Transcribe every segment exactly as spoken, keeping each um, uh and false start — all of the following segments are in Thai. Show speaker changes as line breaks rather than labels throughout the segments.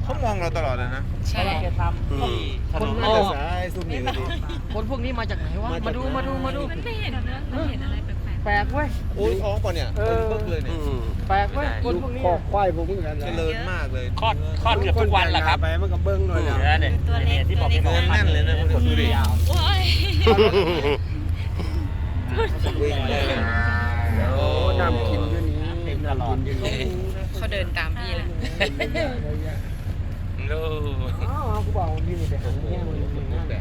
เขามองเราตลอดเลยนะ
ใช่
แกทำที่ถนน
น่าจะสายซุ่มนี่ก็ดี
คนพวกนี้มาจากไหนวะมาดูมาดูมาดู
มันไม่เห็นนะมันเห็นอะไรแปลก
แปลกเว้ย
โอ้ยท้องป่ะเนี่ย
เออ
เพิ่งเลยเนี่ย
แปลกเว้ยคนพวกนี้
คอควายผมเหมือนกัน
เจริญมากเลย
คลอดคลอดเกือบทุกวันแหละครับ
ไปมันก็เบิ้งหน่อยแล้ว
เนี่ย
ๆตัวเล็ก
ที่บอก
ตัว
เป็น
เล็ก
เงินแน่นเลยนะคนดูดิ
โอ้ย
วิ่งเลยโอ้
น้ำกินอยู่นี้น้ำกินอยู่นี้
เขาเดินตามพี่แหละ
โอ้
อ้าวกูบอกนี่นี่ไปหาแง่มันเลย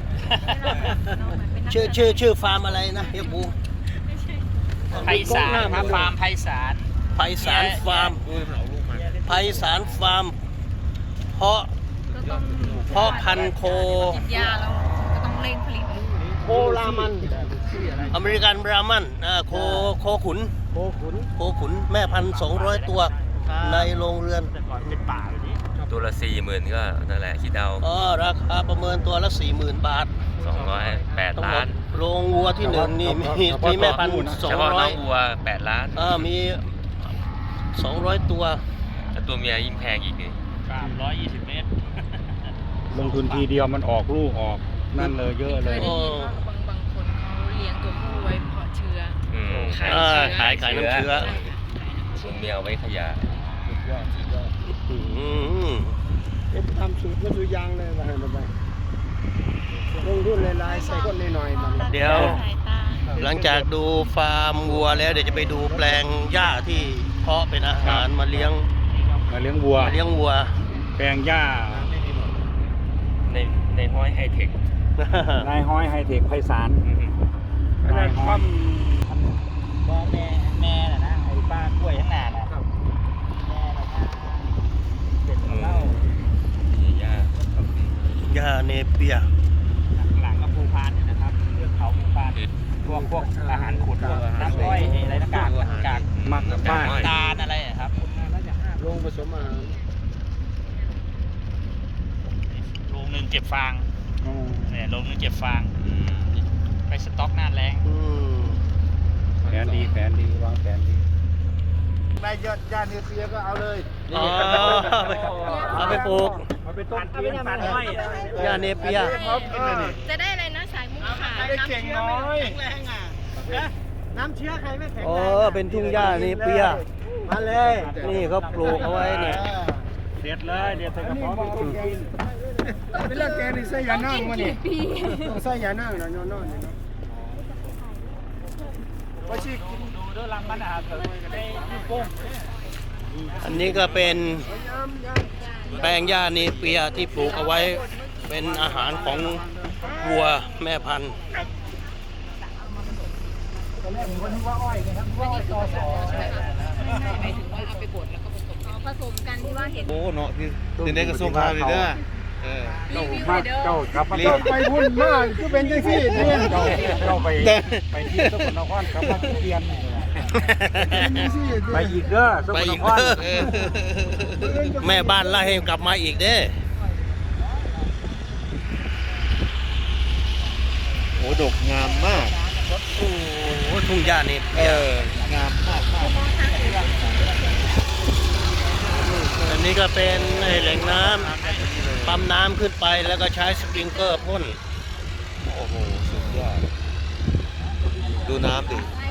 ชื่อชื่อชื่อฟาร์มอะไรนะเฮียปู
ไพศาลครับฟาร์มไพศาล
ไพศาลฟาร์ม
ดูมันออกลูกมา
ไพศาลฟาร์มเพาะ
ก็ต้อง
เพาะพันธุ์โค
กินยาแล้วก็ต้องเร่งผลิตลูก
โครามัน อเมริกันบรามันอ่าโคโคขุน
โคขุน
โคขุนแม่พันสองร้อยตัวในโรงเรือน
แต่ก่อนเป็นป่าแบบนี้
ตัวละสี่หมื่นก็นั่นแหละคิดเอา
อ๋อราคาประเมินตัวละสี่หมื่นบาท
สองร้อยแปด
ทั้งหม
ล้า
ด
น
โรงวัวที่หนึ่งนี่มีมีแม่พันสอ
เฉ
ง
พาะ
ร้
น้
อ
อย งวัวแปดล้าน
อ่ามีสองร้อยตัว
แต่ตัวเมียยิ่งแพงอีกนี่
สามร้อยยี่สิบเมตร
ลงทุนทีเดียวมันออกลูกออกนั่นเลยเยอะ
เค
เลย ย
ได้ยินว่าบางบางคนเขาเลี้ยงตัวผู้ไว้เพาะเชื้อ
อืม
ขาย
อ่า
เชื้อ
ขายขายน้ำเชื้อ
ใช่ค่ะ
ตัวเมียเอาไว้ขยาย
อืม
เอ็ดทำสูตรก็สูตรยางเลยมาให้มาไปลงทุนหลายๆใส่ก้นหน่อยๆมัน
เดี๋ยว
สายตา
หลังจากดูฟาร์มวัวแล้วเดี๋ยวจะไปดูแปลงหญ้าที่เพาะเป็นอาหารมาเลี้ยง
มาเลี้ยงวัว
มาเลี้ยงวัว
แปลงหญ้า
ในในห้อยไฮเทคน
ายห้อยไฮเทคไพศาล
อืม
นายห้อย
ก็แม่แม่น่ะนะไอ้ป้ากล้วยข้างหน้าน่ะแม่น่ะนะเด็ด
อืม
เหล้า
นี่ยาก
หญ้าเนเปีย
หลังก็ภูพานเนี่ยนะครับเรื่องเขาภูพานพวกพวกอาหารขุดพวกน้ำอ้อยอะไรนะกากกาก
มักกับบ้าน
ตาลอะไรอะครับ
ลงผสมอาหาร
โรงหนึ่งเก็บฟาง
อ๋อ
เนี่ยโรงหนึ่งเก็บฟาง
อืม
ไปสต็อกหน้าแรง
อืม
แผนดีแผนดีวางแผนดีนายยอดยาเนเซียก็เอาเลย
อ๋อเอาไปปลูก
เอาไปต้ม
เอาไปทำมันอ้อย
หญ้าเนเปีย
จะได้อะไรนะสายมุกขาว
ได้เก่งน้อย
น้ำเชื้อใครไม่แข็ง
อ๋อเป็นทุ่งหญ้าเนเปีย
มาเลย
นี่เขาปลูกเอาไว้เนี่ย
เด็ดเลยเด็ดใส่กระเพาะไปกิน
เป็นเรื่องแกนี่ใส่ยานั่งมาเนี่ยต้องใส่ยานั่งนะย้อนนอนนี่เนาะว่าชีกิน
ดูด้วยรังมันอาหารเถิดได้ลูกโป่ง
อันนี้ก็เป็น
ยามยาม
แปลงหญ้าเนเปียที่ปลูกเอาไว้เป็นอาหารของวัวแม่พันธุ์
หมายถึงว่าเอาไปบดแล้วก็ผสมผสมกันที่ว่าเห็น
โอ้เนาะที่ที่ในกระทรวงพาณิชย์เด้อเออ
รีวิว
มา
เด้อ
เจ้าครับเจ้าไปพุ่นมากคือเป็นจังซี่เนี่ยเจ้าเจ้าไปไปที่สกลนครครับมาเรียนไปอีกเด้อส
ไป
กลน
อีก
คร
เด้อแม่บ้านไล่ให้กลับมาอีกเด้อ
โอ้ดกงามมาก
โอ้โหทุ่งหญ้าเน
เอ
เปีย
องามมากมาก
อันนี้ก็เป็นแหล่งน้ำปั๊มน้ำขึ้นไปแล้วก็ใช้สปริงเกอร์พ่น
โอ้โหสุดยอดดูน้ำดิ